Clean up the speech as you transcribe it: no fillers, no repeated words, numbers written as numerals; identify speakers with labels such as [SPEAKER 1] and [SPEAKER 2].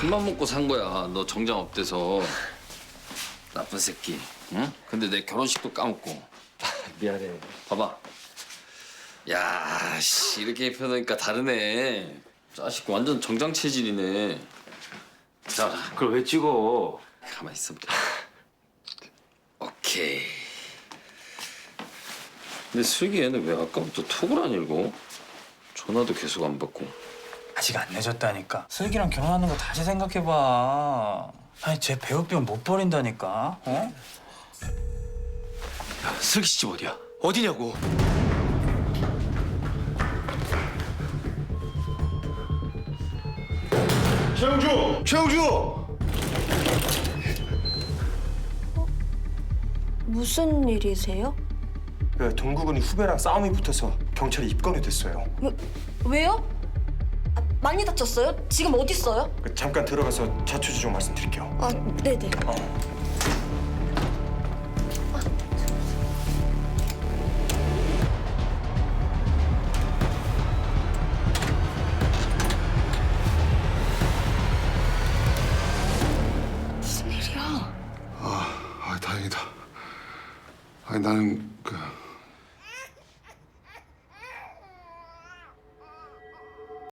[SPEAKER 1] 큰맘 먹고 산 거야. 너 정장 없대서. 나쁜 새끼. 응? 근데 내 결혼식도 까먹고.
[SPEAKER 2] 미안해.
[SPEAKER 1] 봐봐. 야, 씨 이렇게 입혀놓으니까 다르네. 자식 완전 정장 체질이네. 자,
[SPEAKER 2] 그걸 왜 찍어?
[SPEAKER 1] 가만 있어보자. 오케이. 근데 슬기 얘는 왜 아까부터 톡을 안 읽어? 전화도 계속 안 받고.
[SPEAKER 3] 아직 안 늦었다니까. 슬기랑 결혼하는 거 다시 생각해봐. 아니 쟤 배우병 못 버린다니까. 어?
[SPEAKER 2] 야, 슬기 씨 집 어디야? 어디냐고?
[SPEAKER 4] 최영주! 최영주!
[SPEAKER 5] 무슨 일이세요?
[SPEAKER 4] 그 동구군이 후배랑 싸움이 붙어서 경찰에 입건이 됐어요.
[SPEAKER 5] 왜요? 아, 많이 다쳤어요? 지금 어디 있어요?
[SPEAKER 4] 잠깐 들어가서 자초지종 말씀드릴게요.
[SPEAKER 5] 아, 네네. 무슨 일이야?
[SPEAKER 6] 아, 다행이다. 아니 나는 그